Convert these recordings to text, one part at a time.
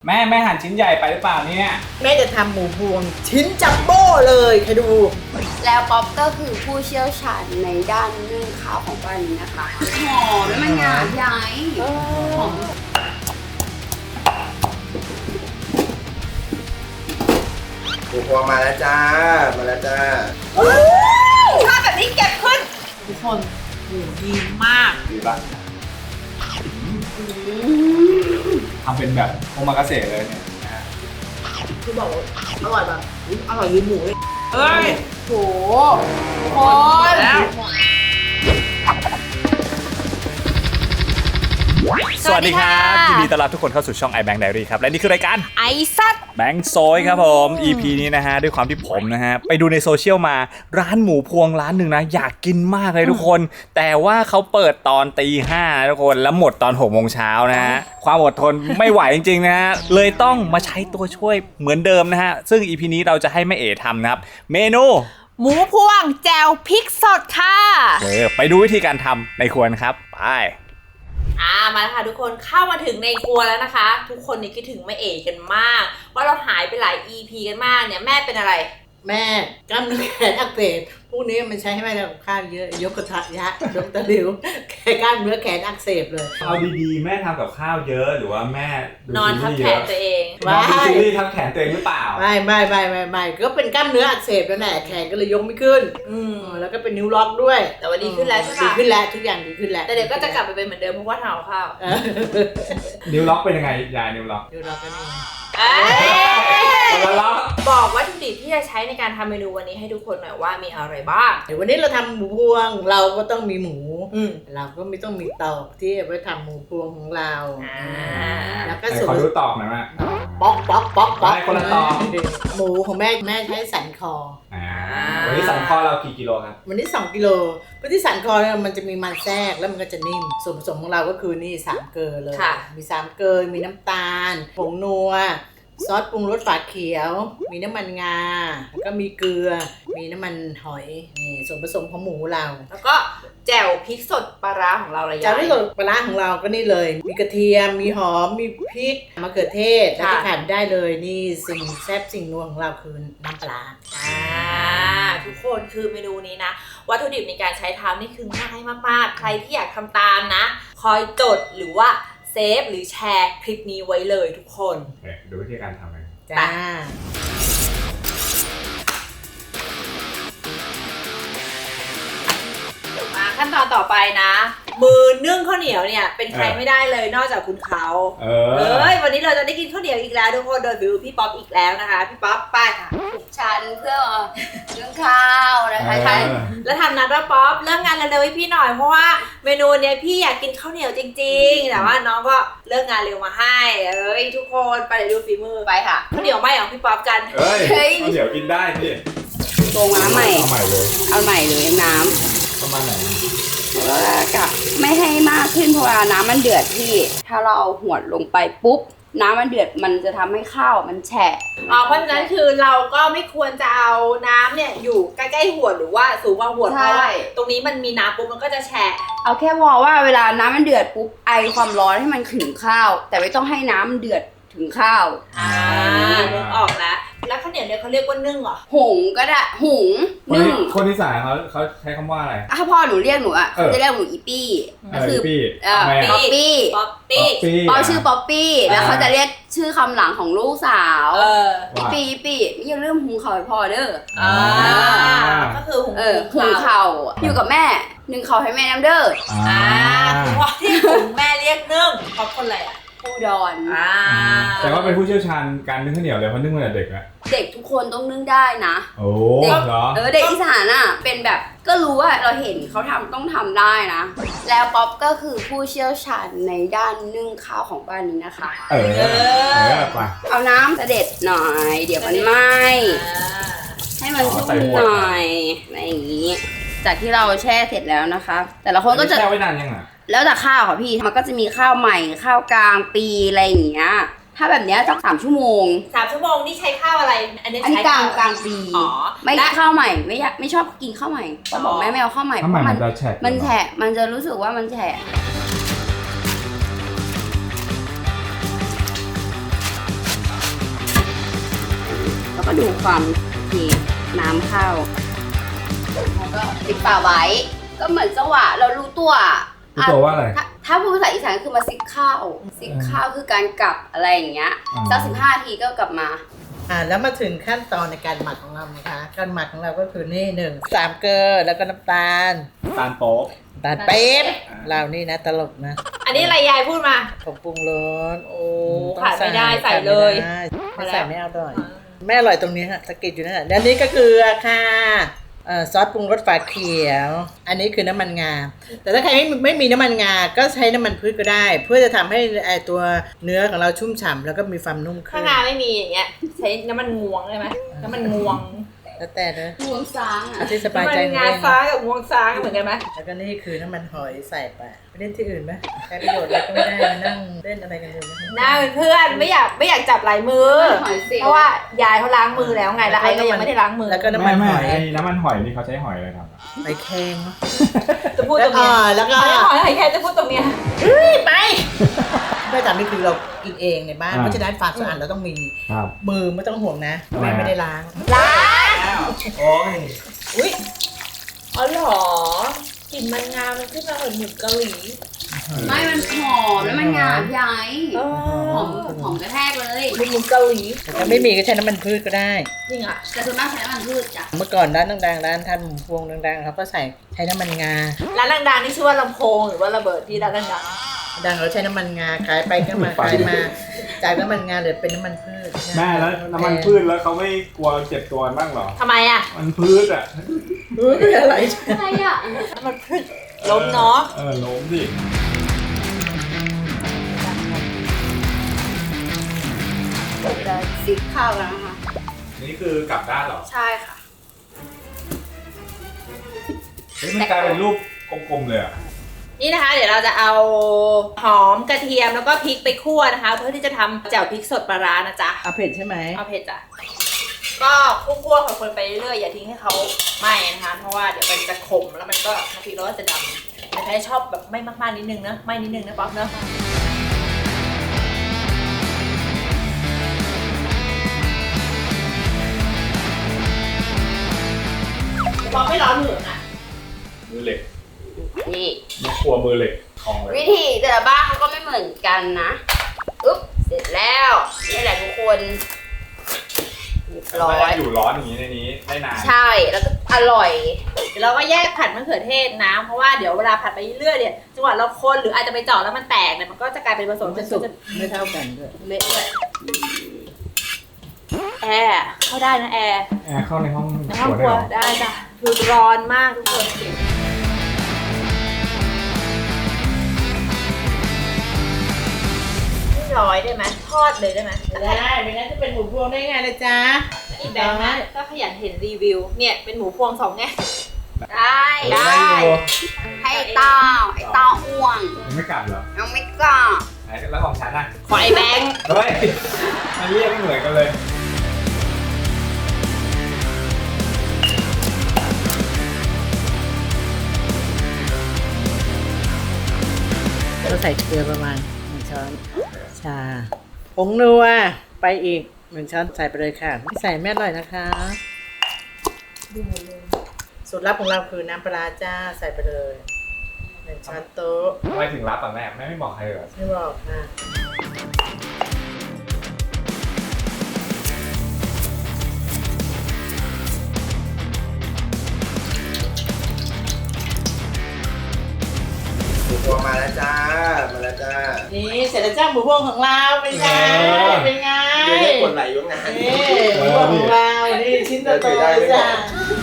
แม่หั่นชิ้นใหญ่ไปหรือเปล่าเนี่ยแม่จะทำหมูพวงชิ้นจัมโบ้เลยใครดูแล้วป๊อปก็คือผู้เชี่ยวชาญในด้านนึ่งข้าวของบ้านนี้นะคะหอมแล้วมันงามใหญ่หอมหมูพวงมาแล้วจ้ามาแล้วจ้าถ้าแบบนี้เก็บขึ้นทุกคนหมูดีมากดีป่ะทำเป็นแบบโอมากาเสะเลยเนี่ยคือบอกอร่อยแบบอร่อยยืนหมูเลยเอ้ยโหคนสวัสดีครับยินดีต้อนรับทุกคนเข้าสู่ช่อง iBank Diary ครับและนี่คือรายการไอซัดแบงค์โซยครับผม EP นี้นะฮะด้วยความที่ผมนะฮะไปดูในโซเชียลมาร้านหมูพวงร้านหนึ่งนะอยากกินมากเลยทุกคนแต่ว่าเขาเปิดตอนตี 5ทุกคนแล้วหมดตอน6 โมงเช้านะฮะความอดทนไม่ไหวจริงๆนะฮะเลยต้องมาใช้ตัวช่วยเหมือนเดิมนะฮะซึ่ง EP นี้เราจะให้แม่เอ๋ทำนะครับเมนูหมูพวงแจ่วพริกสดค่ะไปดูวิธีการทำในครัวครับไปมาแล้วค่ะทุกคนเข้ามาถึงในครัวแล้วนะคะทุกคนนี่คิดถึงแม่เอ๋กันมากว่าเราหายไปหลาย EP กันมากเนี่ยแม่เป็นอะไรแม่กล้ามเนื้อแขนอักเสบพวกนี้มันใช้ให้แม่ทำกับข้าวเยอะยกกระทะยะยกตะหลิวกล้ามเนื้อแขนอักเสบเลยเอาดีๆแม่ทำกับข้าวเยอะหรือว่าแม่นอนทับแขนตัวเองนอนดูซีรีส์ทับแขนตัวเองหรือเปล่าไม่ก็เป็นกล้ามเนื้ออักเสบแล้วแหละแขนก็เลยยกไม่ขึ้นแล้วก็เป็นนิ้วล็อกด้วยแต่ว่าดีขึ้นแล้วใช่ปะดีขึ้นแล้วทุกอย่างดีขึ้นแล้วแต่เดี๋ยวก็จะกลับไปเป็นเหมือนเดิมเพราะว่าทำข้าวนิ้วล็อกเป็นยังไงยายนิ้วล็อกก็นี่บอกวัตถุดิบที่จะใช้ในการทำเมนูวันนี้ให้ทุกคนหน่อยว่ามีอะไรบ้างเดี๋ยววันนี้เราทำหมูพวงเราก็ต้องมีหมูเราก็ไม่ต้องมีตอกที่เอาไว้ทำหมูพวงของเราแล้วก็ขอดูตอกหน่อยว่าป๊อกคนละตอกหมูของแม่ใช้สันคอวันนี้สันคอเรากี่กิโลครับวันนี้2 กิโลเพราะที่สันคอเนี่ยมันจะมีมันแทรกแล้วมันก็จะนิ่มส่วนผสมของเราก็คือนี่3 เกลือเลยมี3 เกลือมีน้ำตาลผงนัวซอสปรุงรสฝาเขียวมีน้ำมันงาแล้วก็มีเกลือมีน้ำมันหอยนี่ส่วนผสมของหมูเราแล้วก็แจ่วพริกสดปลาร้าของเราเลยแจ่วพริกสดปลาร้าของเราก็นี่เลยมีกระเทียมมีหอมมีพริกมะเขือเทศแล้วก็ขาดได้เลยนี่สิ่งแซ่บสิ่งนัวของเราคือน้ำปลาทุกคนคือเมนูนี้นะวัตถุดิบในการใช้ทำนี่คือง่ายมากๆใครที่อยากทำตามนะคอยจดหรือว่าเซฟหรือแชร์คลิปนี้ไว้เลยทุกคนดูวิธีการทำกันจ้ามาขั้นตอนต่อไปนะมือนึ่งข้าวเหนียวเนี่ยเป็นใครไม่ได้เลยนอกจากคุณเขาวันนี้เราจะได้กินข้าวเหนียวอีกแล้วทุกคนโดยบิวพี่ป๊อปอีกแล้วนะคะพี่ป๊อปไปค่ะฉันเพื่อนึ่งข้าวนะคะใช่แล้วทำนัดว่าป๊อปเลิกงานเร็วๆให้พี่หน่อยเพราะว่าเมนูเนี้ยพี่อยากกินข้าวเหนียวจริงๆแต่ว่าน้องก็เลิกงานเร็วมาให้ทุกคนไปดูฝีมือไปค่ะข้าวเหนียวไม่ของพี่ป๊อปกันข้าวเหนียวกินได้พี่ตรงน้ำใหม่เอาใหม่เลยน้ำประมาณไหนก็ไม่ให้มากขึ้นเพราะว่าน้ำมันเดือดพี่ถ้าเราเอาหัวลงไปปุ๊บน้ำมันเดือดมันจะทำให้ข้าวมันแฉะเพราะฉะนั้นคือเราก็ไม่ควรจะเอาน้ำเนี่ยอยู่ใกล้ๆหัวหรือว่าสูงกว่าหัวเพราะว่าตรงนี้มันมีน้ำปุ๊บมันก็จะแฉะเอาแค่พอว่าเวลาน้ำมันเดือดปุ๊บไอความร้อนให้มันถึงข้าวแต่ไม่ต้องให้น้ำเดือดถึงข้าวนึกออกแล้วข้าวเหนียวเนี่ยเขาเรียกว่านึ่งเหรอหุงก็ได้หุงนึ่งคนที่สายเขาใช้คำว่าอะไรถ้าพ่อหนูเรียกหนูเขาจะเรียกหนูอีปี้ก็คือป๊อปปี้พ่อชื่อป๊อปปี้แล้วเขาจะเรียกชื่อคำหลังของลูกสาวปี้อย่าลืมหุงข้าวให้พ่อเด้อก็คือหุงข้าวอยู่กับแม่นึ่งข้าวให้แม่น้ำเด้อคือว่าที่หุงแม่เรียกนึ่งเพราะคนอะไรผู้ดอนแต่ว่าเป็นผู้เชี่ยวชาญการนึ่งข้าวเหนียวเลยเพราะนึ่งมาแต่เด็กอะเด็กทุกคนต้องนึ่งได้นะโอ้เหรอเด็กอีสานอะเป็นแบบก็รู้ว่าเราเห็นเขาทำต้องทำได้นะแล้วป๊อปก็คือผู้เชี่ยวชาญในด้านนึ่งข้าวของบ้านนี้นะคะเอาน้ำเสด็จหน่อยเดี๋ยวมันไหม้ให้มันชุ่มหน่อยอะไรอย่างนี้จากที่เราแช่เสร็จแล้วนะคะแต่ละคนก็จะแช่ไว้นานยังอ่ะแล้วแต่ข้าวค่ะพี่มันก็จะมีข้าวใหม่ข้าวกลางปีอะไรอย่างเงี้ยถ้าแบบเนี้ยสัก3 ชั่วโมง 3 ชั่วโมงนี่ใช้ข้าวอะไรอันนี้กลางปีไม่ข้าวใหม่ไม่ชอบกินข้าวใหม่ก็บอกแม่ไม่เอาข้าวใหม่เพราะมันแฉะมันจะรู้สึกว่ามันแฉะก็ดูความเทน้ำเข้าแล้วก็ปิดฝาไว้ก็เหมือนจังหวะเรารู้ตัวรู้ตัวว่าอะไรถ้าพูดภาษาอีสานคือมาซิกข้าวคือการกลับอะไรอย่างเงี้ยสัก15 ทีก็กลับมาแล้วมาถึงขั้นตอนในการหมักของเรานะคะการหมักของเราก็คือนี่3 เกลือแล้วก็น้ำตาลตาลโป๊ะตาลปี๊บเรานี่นะตลกนะอันนี้อะไรยายพูดมาผงปรุงรสโอ้ขาดไม่ได้ใส่เลยไม่ใส่ไม่อร่อยไม่อร่อยตรงนี้ฮะสะกิดอยู่นั่นแหละแล้วนี้ก็คือค่ะซอสปรุงรสฝาเขียว อันนี้คือน้ำมันงา แต่ถ้าใครไม่มีน้ำมันงา ก็ใช้น้ำมันพืชก็ได้ เพื่อจะทำให้ตัวเนื้อของเราชุ่มฉ่ำแล้วก็มีความนุ่มขึ้ถ้าน งาไม่มีอย่างเงี้ยใช้น้ำมันงวงได้ไหมน้ำมันงวงแล้วแต่เลยงวงซ้างอ่ะที่สบายน้ำมัใจนของงาเองฟ้ากับงวงซ้างเหมือนกันไหมแล้วก็นี่คือน้ำมันหอยใส่ไปเล่นที่อื่นไหมใช้ประโยชน์อะไรก็ไม่ได้มานั่งเล่นอะไรกันอยู่หน้าเป็นเพื่อนไม่อยากจับลายมือ เพราะว่ายายเขาล้างมือแล้วไงแล้วไอ้ก็ยังไม่ได้ล้างมือแล้วก็น้ำมันหอยน้ำมันหอยนี่เขาใช้หอยอะไรทำอะหอยแครงเนาะจะพูดตรงเนี้ยแล้วก็ขอให้แค่จะพูดตรงเนี้ยไปไม่แต่นี่คือเรากินเองในบ้านเพราะฉะนั้นความสะอาดเราต้องมีครับมือไม่ต้องห่วงนะแม่ไม่ได้ล้างล้างโอ้ยอุ้ยอ๋อเหรอกลิ่นมันงามันขึ้นมาเหมือนหมูเกาหลีไม่มันหอมแล้วมันงามใหญ่อ๋อหอมกระแทกเลยหมูเกาหลีแต่ถ้าไม่มีก็ใช้น้ำมันพืชก็ได้จริงอ่ะแต่ส่วนมากใช้น้ำมันพืชจ้ะเมื่อก่อนร้านดังๆร้านทำหมูพวงดังๆเขาก็ใช้น้ำมันงาร้านดังๆนี่ชื่อว่าลำโพงหรือว่าระเบิดที่ร้านดังดังเราใช้น้ำมันงาขายไปก็มาขายมาจากน้ำมันงาเหลือเป็นน้ำมันพืชแม่แล้วน้ำมันพืชแล้วเขาไม่กลัวเจ็บตัวบ้างเหรอๆทำไมอ่ะมันพืชอ่ะอะไรอะไรอ่ะน้ำมันพืชล้มเนาะล้มดิจะซิกข้าวกันนะคะนี่คือกลับด้านเหรอใช่ค่ะเฮ้ยมันกลายเป็นรูปกลมๆเลยอ่ะนี่นะคะ เดี๋ยวเราจะเอาหอมกระเทียมแล้วก็พริกไปคั่วนะคะ เพื่อที่จะทำแจ่วพริกสดปลาร้านะจ๊ะเอาเผ็ดใช่ไหมเอาเผ็ดจ้ะก็คั่วๆคนไปเรื่อยๆอย่าทิ้งให้เขาไหม้นะคะ เพราะว่าเดี๋ยวมันจะขมแล้วมันก็น้ำพริกเราก็จะดำแต่ใครชอบแบบไม่มากๆนิดนึงนะไม่นิดนึงนะป๊อปเนาะป๊อปไม่ร้อนมือนะมือเหล็กนี่นี่ครัวมือเหล็กทองเลยวิธีแต่ละบ้านเขาก็ไม่เหมือนกันนะอุ๊บเสร็จแล้วนี่แหละทุกคนเรียบร้อไม่ยได้อยู่ร้อนอย่างนี้ในนี้ได้นานใช่แล้วก็อร่อยเดี๋ยวเราก็แยกผัดมะเขือเทศนะ เพราะว่าเดี๋ยวเวลาผัดไปเรื่อยๆเนี่ยจังหวะเราคนหรืออาจจะไปเจาะแล้วมันแตกเนี่ยมันก็จะกลายเป็นผสมมันจะสุกไม่เท่ากันด้วยเละเลยแอร์เข้าได้นะแอร์แอร์เข้าในห้องในห้องครัวคได้รัวเหรอได้จ้ะคือร้อนมากทุกคนร้อยได้ไหมทอดเลยได้ไหมได้ไม่งั้นจะเป็นหมูพวงได้ไงนะจ๊ะอีกแบบนะก็ขยันเห็นรีวิวเนี่ยเป็นหมูพวง2ไงได้ได้อยู่ให้ไอ้เต้าอ้วนยังไม่กลับเหรอยังไม่กล้าไหนแล้วของฉันอ่ะขอไอแบงค์เฮ้ยมันเรียกไม่เหมือนกันเลยเราใส่เกลือประมาณ1 ช้อนชาผงนัวไปอีก1 ช้อนใส่ไปเลยค่ะไม่ใส่ไม่อร่อยนะคะสูตรลับของเราคือน้ำปลาร้าจ้าใส่ไปเลย1 ช้อนโต๊ะทำไมถึงรับอ่ะแม่ไม่บอกใครเหรอไม่บอกค่ะหมูพวงมาแล้วจ้า มาแล้วจ้านี่เสร็จแล้วจ้าหมูพวงของเราเป็นไงเป็นไงเดี๋ยวให้กดไหลอยู่นานนี่หมูพวงของเรานี่ชิ้นโตๆเลยจ้า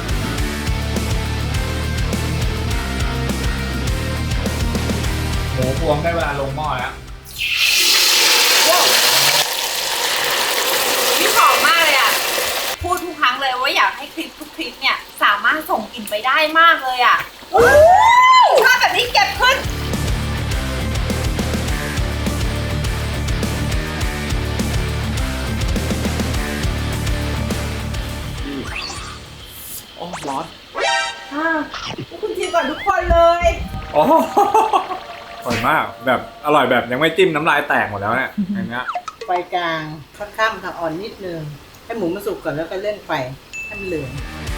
หมูพวงได้เวลาลงหม้อแล้วนี่หอมมากเลยอ่ะพูดทุกครั้งเลยว่าอยากให้คลิปทุกคลิปเนี่ยสามารถส่งกลิ่นไปได้มากเลยอ่ะชอบแบบนี้เก็บขึ้นโอ้ร้อนคุณชิมก่อนทุกคนเลยโอ้อร่อยมากแบบอร่อยแบบยังไม่จิ้มน้ำลายแตกหมดแล้วเนี่ยอย่างเงี้ยไฟกลางค่อนข้างค่ะอ่อนนิดนึงให้หมูมันสุกก่อนแล้วก็เล่นไฟให้มันเหลือง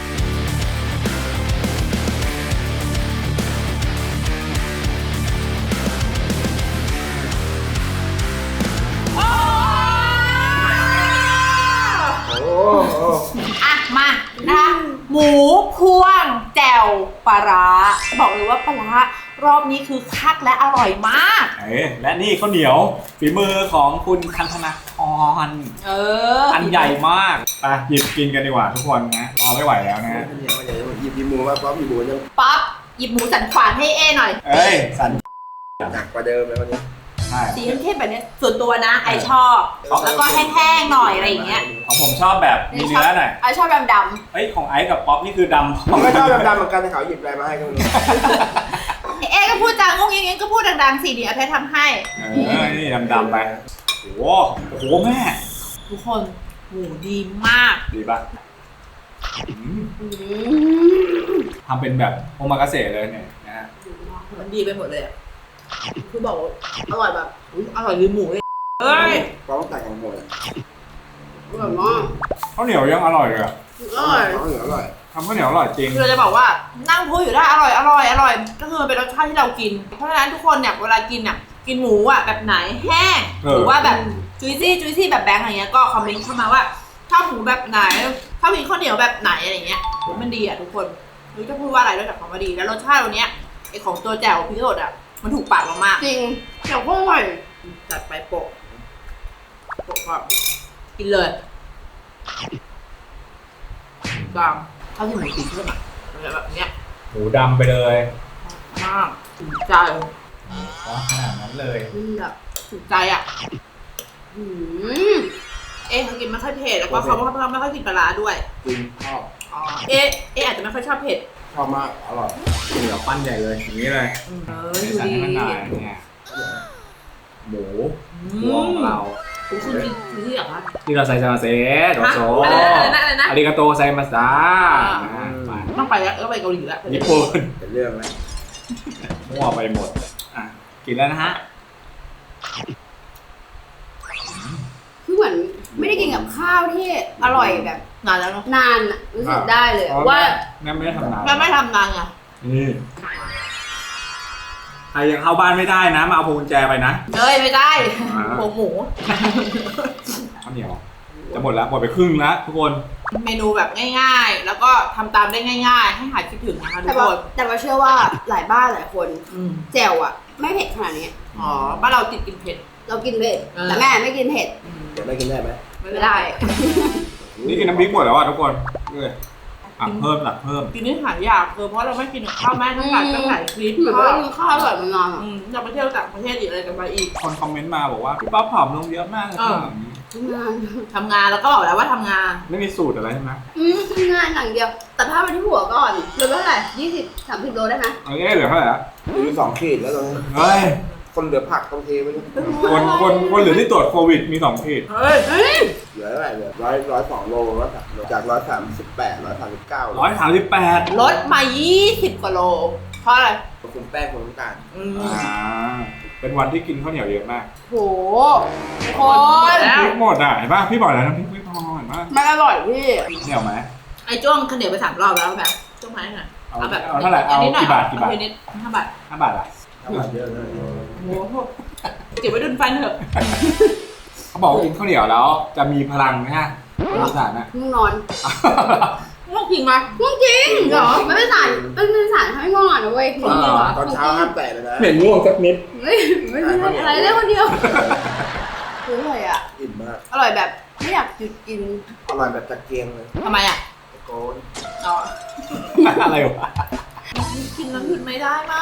อ่ะมานะคะหมูพวงแจ่วปลาร้าบอกเลยว่าปลาร้ารอบนี้คือคักและอร่อยมากและนี่ข้าวเหนียวฝีมือของคุณคันธนาธรอันใหญ่มากไปหยิบกินกันดีกว่าทุกคนนะรอไม่ไหวแล้วนะฮะหยิบหมูมาพร้อมหยิบหมูยังป๊อปหยิบหมูสันขวานให้เอหน่อยเอ้ยสันหนักกว่าเดิมเลยวันนี้ใช่สีเข้มๆแบบเนี้ยส่วนตัวนะไอชอบแล้วก็แห้งๆหน่อยอะไรอย่างเงี้ยของผมชอบแบบมีเนื้อหน่อยไอชอบดำเฮ้ยของไอซ์กับป๊อปนี่คือดำผมก็ชอบดำๆเหมือนกันแต่เขาหยิบอะไรมาให้ก็ไม่รู้เอก็พูดจางงงยิงก็พูดดังๆสิเดี๋ยวเพชรทำให้นี่ดำๆไปโอ้โหแม่ทุกคนหมูดีมากดีป่ะทำเป็นแบบโอมากาเสะเลยเนี่ยนะฮะมันดีไปหมดเลยอ่ะคือบอกว่าอร่อยแบบอร่อยลืมหมูเลยเฮ้ยเพราะว่าแต่งของหมดๆอร่อยมากข้าวเหนียวยังอร่อยเลยอะอร่อยเขาเหนืออร่อยทำข้าวเหนียวอร่อยจริงคือเราจะบอกว่านั่งพูดอยู่ได้อร่อยก็คือเป็นรสชาติที่เรากิน เพราะฉะนั้นทุกคนเนี่ยเวลากินเนี่ยกินหมูอ่ะแบบไหนแห้งหรือว่าแบบจุยซี่แบบแบงค์อะไรเงี้ยก็คอมเมนต์เข้ามาว่าชอบหมูแบบไหนชอบกินข้าวเหนียวแบบไหนอะไรเงี้ยมันดีอ่ะทุกคนรู้จะพูดว่าอะไรนอกจากคำว่าดีแล้วรสชาติวันเนี้ยไอของตัวแจ่วพริกสดอ่ะมันถูกปากเรามากจริงแจ่วก็อร่อยจัดไปโปะก่อนกินเลยกลางข้าวที่หมูตีขึ้นอ่ะอะไรแบบเนี้ยหมูดำไปเลยมากถูกใจขนาดนั้นเลยแบบถูกใจอ่ะอืมเขากินไม่ค่อยเผ็ดแล้วก็เขาไม่ค่อยกินปลาร้าด้วยจริงชอบอาจจะไม่ค่อยชอบเผ็ดชอบมากอร่อยเหนียวปั้นใหญ่เลยอย่างนี้เลยดูใส่ดีให้มันหน่อยเนี่ยหมูพวงของเราคุณกินที่เหรอคะที่เราใส่ซาเซโดโซอะไรนะอาริกาโตไซมาสดาต้องไปแล้วไปเกาหลีแล้วญี่ปุ่นเป็นเรื่องแล้วมั่วไปหมดอ่ะกินแล้วนะฮะคือเหมือนไม่ได้กินกับข้าวที่อร่อยแบบนานแล้วเนาะนานอะรู้สึกได้เลยอะว่าแม่ไม่ได้ทำนานแม่ไม่ทำนานไงนี่ใครยังเข้าบ้านไม่ได้นะมาเอาพวงกุญแจไปนะไม่ได้หัวหมูข้าวเหนียวจะหมดแล้วหมดไปครึ่งแล้วทุกคนเมนูแบบง่ายๆ แล้วก็ทำตามได้ง่ายๆ ให้หายคิดถึงนะคะทุแต่กว่าคนแต่ว่าเชื่อว่าหลายบ้านหลายคน แจ่วอะไม่เผ็ดขนาดนี้อ๋อบ้านเราติดกินเผ็ดเรากินเผ็ดแต่แม่ไม่กินเผ็ดเดี๋ยวไม่กินได้ไหมไม่ได้นี่กินน้ำพริกหมดแล้วอ่ะทุกคนเลยอ่ะเพิ่มหลักเพิ่มกินนี่หายากเพราะเราไม่กินกับข้าวแม่ทั้งหลายตั้งหลายคลิปเหมือนว่ากินข้าวแบบมานานอะเราไปเที่ยวต่างประเทศอีกอะไรกันไปอีกคนคอมเมนต์มาบอกว่าพี่ป๊อปผอมลงเยอะมากเลยอ่างานทำงานแล้วก็บอกแล้วว่าทำงานไม่มีสูตรอะไรใช่ไหมงานอย่างเดียวแต่ถ้าไปที่หัวก่อนเหลือเท่าไหร่20-30 โลได้ไหมเอ้ยเหลือเท่าไหร่ละมี2 ขีดแล้วตอนนี้เฮ้ยคนเหลือผักต้องเทไปด้วยคนเหลือที่ตรวจโควิดมี2ขีดเฮ้ยเหลือเท่าไหร่เหลือ102 โลจาก138 139 138 ลดมา 20 กว่าโล เพราะอะไรคุมแป้งคุมน้ำตาลเป็นวันที่กินข้าวเหนียวเยอะมากโหคนน้ำพริกหมดอ่ะเห็นป่ะพี่บอกแล้วน้ำพริกไม่พอเห็นป่ะมันอร่อยพี่เหนียวไหมไอ้จ้วงข้าวเหนียวไป3 รอบแล้วแบบจ้วงไม้หน่อยเอาเท่าไหร่เอากี่บาทเอานิด5 บาท 5 บาทอ่ะเยอะเลยโอ้โหเก็บไว้ดุนฟันเถอะเขาบอกว่ากินข้าวเหนียวแล้วจะมีพลังนะฮะบริษัทนะง่วงนอนเรื่องจริงไหมง่วงจริงเหรอมันเป็นสารทำให้ง่วงนอนนะเว้ยตอนเช้าห้ามแตะเลยนะเหม็นง่วงสักนิดไม่ได้อะไรเล่นคนเดียวคืออร่อยอ่ะอิ่มมากอร่อยแบบไม่อยากหยุดกินอร่อยแบบตะเกียงเลยทำไมอ่ะตะโกนอ๋ออะไรวะกินแล้วหยุดไม่ได้มาก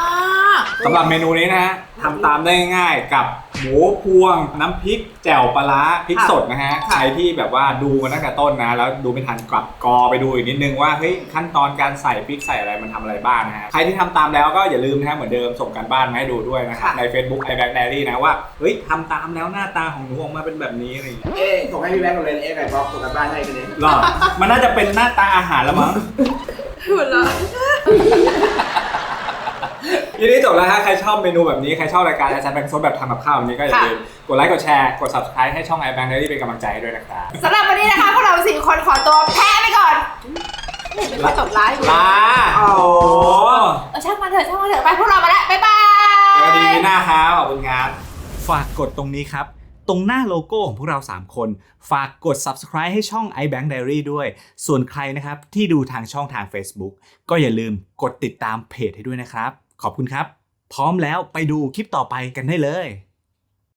สำหรับเมนูนี้นะฮะทำตามได้ง่ายๆกับหมูพวงน้ำพริกแจ่วปลาร้าพริกสดนะฮะใครที่แบบว่าดูมาตั้งแต่ต้นนะแล้วดูไม่ทันกลับกอไปดูอีกนิดนึงว่าเฮ้ยขั้นตอนการใส่พริกใส่อะไรมันทำอะไรบ้างนะฮะใครที่ทำตามแล้วก็อย่าลืมนะฮะเหมือนเดิมส่งกันบ้านมาให้ดูด้วยนะครับใน Facebook iBack Diary นะว่าเฮ้ยทำตามแล้วหน้าตาของหนูออกมาเป็นแบบนี้อะไรอย่างเงี้ยส่งให้พี่แบงค์กันเลยไก่ป๊อกส่งกันบ้านให้กันเลยหรอมันน่าจะเป็นหน้าตาอาหารแล้วมั้งหมดแล้วทีนี้จบแล้วฮะใครชอบเมนูแบบนี้ใครชอบรายการอาจารย์แบงค์โซดแบบทำกับข้าวแบบนี้ก็อย่าลืมกดไลค์กดแชร์กด subscribe ให้ช่อง iBank Diary เป็นกำลังใจให้ด้วยนะครับสำหรับวันนี้นะคะพวกเรา4 คนขอตัวแพ้ไปก่อนไม่ตบไลฟ์ลาโอ้โหช่างมันเถอะไปพวกเรามาแล้วบ๊ายบายสวัสดีหน้าครับขอบคุณครับฝากกดตรงนี้ครับตรงหน้าโลโก้ของพวกเรา3คนฝากกด subscribe ให้ช่อง iBank Diary ด้วยส่วนใครนะครับที่ดูทางช่องทาง Facebook ก็อย่าลืมกดติดตามเพจให้ด้วยนะครับขอบคุณครับพร้อมแล้วไปดูคลิปต่อไปกันได้เลย